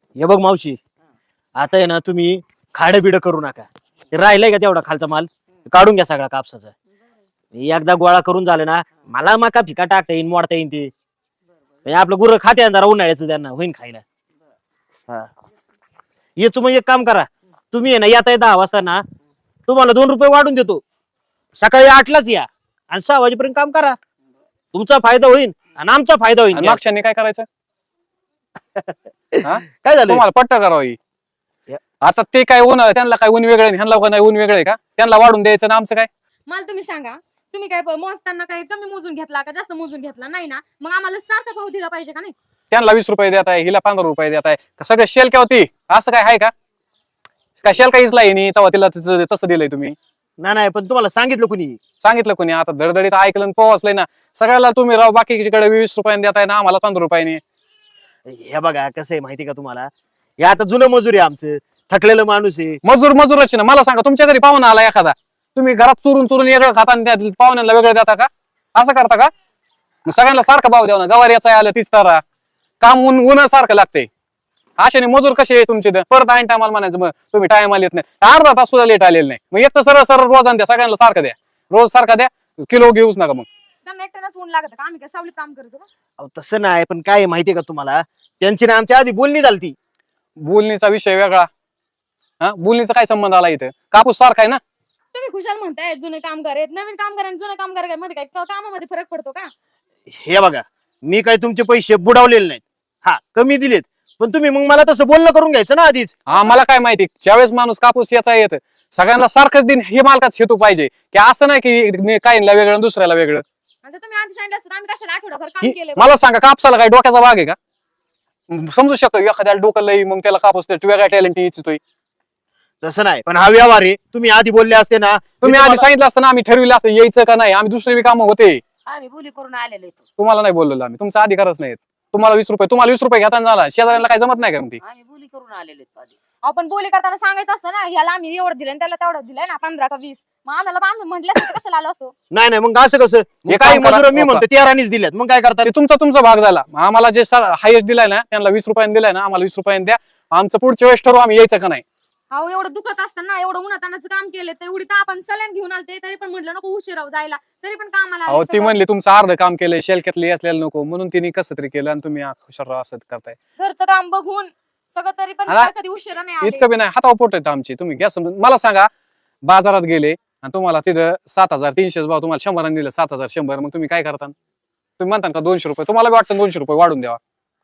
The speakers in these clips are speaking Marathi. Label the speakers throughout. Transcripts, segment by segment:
Speaker 1: हे बघ मावशी, आता आहे ना तुम्ही खाडं बिडं करू नका. ते राहिलंय का तेवढा खालचा माल काढून घ्या सगळा कापसाचा. एकदा गोळा करून झालं ना, मला मका फिका टाकता येईन, मोडता येईन ते. म्हणजे आपलं गुरं खाते जरा उन्हाळ्याचं, त्यांना होईन खायला. हा, येच मग एक काम करा, तुम्ही आहे ना येता 10 वाजता ना, तुम्हाला 2 रुपये वाढून देतो. सकाळी 8लाच या आणि 6 वाजेपर्यंत काम करा. तुमचा फायदा होईल आणि आमचा फायदा होईल.
Speaker 2: मागच्यानी काय करायचं?
Speaker 1: काय झालं
Speaker 2: तुम्हाला पट्ट करावी. आता ते काय ऊन, त्यांना काय ऊन वेगळे, ह्यांना नाही ऊन वेगळे का? त्यांना वाढून द्यायचं ना, आमचं काय?
Speaker 3: मला तुम्ही सांगा, तुम्ही काय मोजताना काय कमी मोजून घेतला का जास्त मोजून घेतला? नाही ना, मग आम्हाला सारखा भाव दिला पाहिजे का नाही?
Speaker 2: त्यांना 20 रुपये देत आहे, हिला 15 रुपये देत आहे. सगळं शेल काय होती असं काय आहे का? काय शेल काहीच नाही तेव्हा तिला तसं दिलंय तुम्ही?
Speaker 1: नाही, पण तुम्हाला सांगितलं कुणी?
Speaker 2: सांगितलं कोणी? आता धडधडीत ऐकलं पोहोचलंय ना सगळ्याला. तुम्ही राव बाकीकडे 20 रुपयाने देताय ना, आम्हाला 15 रुपयाने.
Speaker 1: हे बघा कसं आहे माहिती का तुम्हाला, हे आता जुनं मजूर आहे आमचं, थकलेलं माणूस आहे.
Speaker 2: मजूरच ना. मला सांगा, तुमच्या घरी पाहुणा आला एखादा, तुम्ही घरात चुरून वेगळं खाता आणि पाहुण्यांना वेगळं देता का? असं करता का? सगळ्यांना सारखा भाव द्यावा ना. गवारीचा आलं 30 तारा, काम ऊन सारखं लागते. अशाने मजूर कसे आहे तुमचे? परत ऐन टायमाला म्हणायचं मग तुम्ही टायमाला येत नाही, अर्धा तास सुद्धा लेट आलेलं नाही. मग एक तर सरळ रोजान द्या, सगळ्यांना सारखं द्या, रोज सारखा द्या, किलो घेऊच नका. मग
Speaker 3: त्यांना एकट्यानंच ऊन लागत का? आम्ही काय सावलीत काम करतो का?
Speaker 1: अहो, तसं नाही, पण काय आहे माहितीये का तुम्हाला, त्यांची ना आमच्या आधी बोलणी झालती.
Speaker 2: बोलणीचा विषय वेगळा. बोलणीचा काय संबंध आला इथं? कापूस सारखा आहे ना.
Speaker 3: तुम्ही खुशाल म्हणताय जुने कामगार आहेत, नवीन कामगार आणि जुने कामगार मध्ये काय कामामध्ये फरक पडतो का?
Speaker 1: हे बघा, मी काय तुमचे पैसे बुडवलेले नाहीत, हा कमी दिलेत, पण तुम्ही मग मला तसं बोलणं करून घ्यायचं ना आधीच.
Speaker 2: आम्हाला काय माहिती, ज्यावेळेस माणूस कापूस याचा येत सगळ्यांना सारखंच दिन, हे मालकाच हेतू पाहिजे की असं नाही की काहींना वेगळं दुसऱ्याला वेगळं.
Speaker 3: आता तुम्ही आधी सांगितलं असतं आम्ही कशाला आठवडाभर काम केलं?
Speaker 2: मला सांगा, कापसाला काय डोक्याचा भाग आहे का? समजू शकतो एखाद्याला डोकं लई, मग त्याला कापूस वेगळा टॅलेंट इच्छितोय.
Speaker 1: तसं नाही, पण हा व्यवहार आहे. तुम्ही आधी बोलले असते ना,
Speaker 2: तुम्ही आधी सांगितलं असतं ना, आम्ही ठरविलं असतं यायचं का नाही. आम्ही दुसरे कामं होते,
Speaker 4: आम्ही बोली करून आलेलो आहे.
Speaker 2: तुम्हाला नाही बोललेलो आम्ही. तुमचा अधिकारच नाही. तुम्हाला 20 रुपये घेताना झाला, शेजाऱ्यांना काय जमत नाही का? म्हणते
Speaker 4: आम्ही बोली करून आलेलो आहे आधीच.
Speaker 3: आपण बोली करताना सांगायचं असतं ना, ह्याला आम्ही एवढं दिलं त्याला तेवढं दिलंय ना, 15 का 20. मग आम्ही म्हटलं असतं कशाला आलो असतो?
Speaker 1: नाही मग असं कसं? मग
Speaker 2: हे
Speaker 1: काही
Speaker 2: काम करा,
Speaker 1: मजूर मी
Speaker 2: हो का?
Speaker 1: म्हणतो 13नीच दिल्यात, मग काय करतात?
Speaker 2: ते तुमचा भाग झाला. आम्हाला जे हायस्ट दिलाय ना, त्यांना 20 रुपयाने दिलाय ना, आम्हाला 20 रुपयाने द्या. आमचं पुढच्या वेळेस ठरवू आम्ही यायचं का नाही.
Speaker 3: अहो एवढं दुखत असताना, एवढं उन्हातानाचं काम केलं, तर एवढी आपण सल्यान घेऊन आलते, तरी पण म्हटलं नको उशिरा जायला, तरी पण कामाला आले
Speaker 2: अहो ती
Speaker 3: सगळं.
Speaker 2: म्हणली तुमचं अर्ध काम केलंय, शेलक्यातले असलेलं नको, म्हणून तिने कसं तरी केलं आणि तुम्ही हुशार असं करताय.
Speaker 3: घरचं काम बघून सगळं, तरी पण
Speaker 2: मला
Speaker 3: कधी उशिरा नाही आले.
Speaker 2: इतकं बी नाही, हातावर पोट आहेत आमची. तुम्ही घ्या समजून. मला सांगा, बाजारात गेले आणि तुम्हाला तिथं 7,300 भाव, तुम्हाला 100 दिलं 7,100, मग तुम्ही काय करता? तुम्ही म्हणता का 200 रुपये? तुम्हाला बी वाटतं 200 रुपये वाढून द्यावा?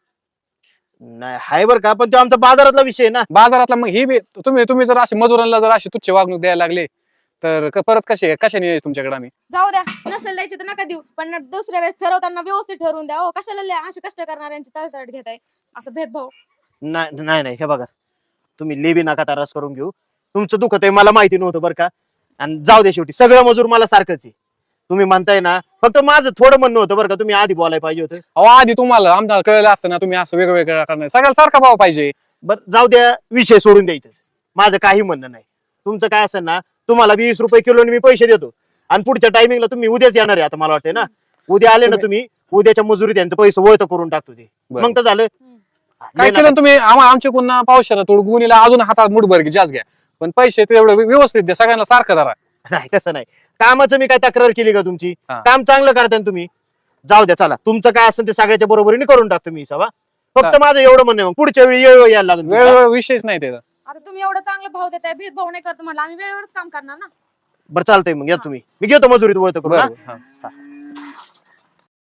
Speaker 1: नाही हाय बरं का, पण तो आमचा बाजारातला विषय आहे ना.
Speaker 2: बाजारातला मग हे बी तुम्ही जर असे मजुरांना जर अशी तुच्छ वागणूक द्यायला लागले तर परत कशाने यायचं तुमच्याकडे आम्ही?
Speaker 3: जाऊ द्या, नसेल द्यायची तर नका देऊ, पण दुसऱ्या वेळेस ठरवताना व्यवस्थित ठरवून द्या. हो कशाला असे कष्ट करणाऱ्यांची तळतळ घेताय, असं भेदभाव?
Speaker 1: नाही, हे बघा, तुम्ही लेबी नका तारास करून घेऊ. तुमचं दुखत आहे मला माहिती नव्हतं बरं का. आणि जाऊ दे, शेवटी सगळं मजूर मला सारखंच आहे. तुम्ही म्हणताय ना, फक्त माझं थोडं म्हणणं होतं बरं का, तुम्ही आधी बोलायला पाहिजे होतं.
Speaker 2: अहो आधी तुम्हाला आमदार कळलं असतं ना, तुम्ही असं वेगवेगळं करणार. सगळ्याला सारखा भाव पाहिजे.
Speaker 1: बरं जाऊ द्या, विषय सोडून द्यायचं. माझं काही म्हणणं नाही. तुमचं काय असेल ना, तुम्हाला 20 रुपये किलोने मी पैसे देतो आणि पुढच्या टायमिंगला तुम्ही उद्याच येणार आहे. आता मला वाटतंय ना, उद्या आले ना तुम्ही, उद्याच्या मजुरी त्यांचं पैसे वळत करून टाकतो ते.
Speaker 2: बरं.
Speaker 1: मग तर झालं.
Speaker 2: काय केलं तुम्ही? आमच्या पुन्हा पावसाला थोडं गुणीला अजून हातात मुठभर जास्त घ्या, पण पैसे तेवढं व्यवस्थित द्या, सगळ्यांना सारखं धरा.
Speaker 1: नाही तसं नाही. कामाचं मी काय तक्रार केली का तुमची?
Speaker 2: हा.
Speaker 1: काम चांगलं करताय ना तुम्ही. जाऊ द्या, चला तुमचं काय असेल ते सगळ्याच्या बरोबरीने करून टाकतो मी सवा. फक्त माझं एवढं म्हणणं आहे, मग पुढच्या वेळी येळ यायला लागेल तुमचा.
Speaker 2: वेळ विषयच नाही त्याचा.
Speaker 3: आता तुम्ही एवढं चांगलं भाव देताय, भेदभाव नाही करतो म्हटलं, आम्ही वेळेवरच काम करणार ना.
Speaker 1: बरं चालतंय, मग या तुम्ही. मी घेतो मजुरीत वळत करून.
Speaker 2: बरं,
Speaker 1: हा?
Speaker 2: हा.